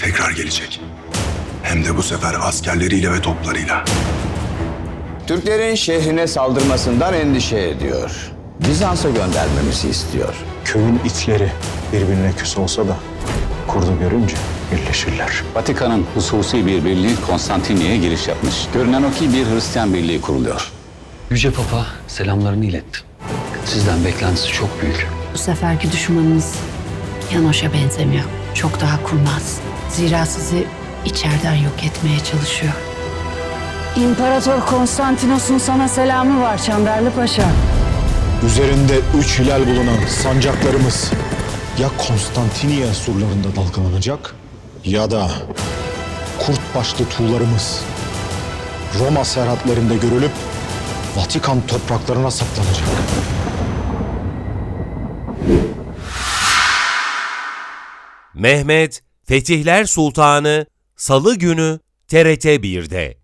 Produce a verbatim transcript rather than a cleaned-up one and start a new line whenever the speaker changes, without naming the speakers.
tekrar gelecek. Hem de bu sefer askerleriyle ve toplarıyla.
Türklerin şehrine saldırmasından endişe ediyor. Bizans'a göndermemizi istiyor.
Köyün itleri birbirine küs olsa da kurdu görünce birleşirler.
Vatikan'ın hususi bir birliği Konstantiniyye'ye giriş yapmış. Görünen o ki bir Hristiyan birliği kuruluyor.
Yüce Papa selamlarını iletti. Sizden beklentisi çok büyük.
Bu seferki düşmanınız Yanoş'a benzemiyor. Çok daha kurnaz. Zira sizi içeriden yok etmeye çalışıyor. İmparator Konstantinos'un sana selamı var Çandarlı Paşa.
Üzerinde üç hilal bulunan sancaklarımız ya Konstantiniye surlarında dalgalanacak ya da kurt başlı tuğlarımız Roma serhatlarında görülüp Vatikan topraklarına saklanacak.
Mehmet Fetihler Sultanı Salı günü T R T bir'de.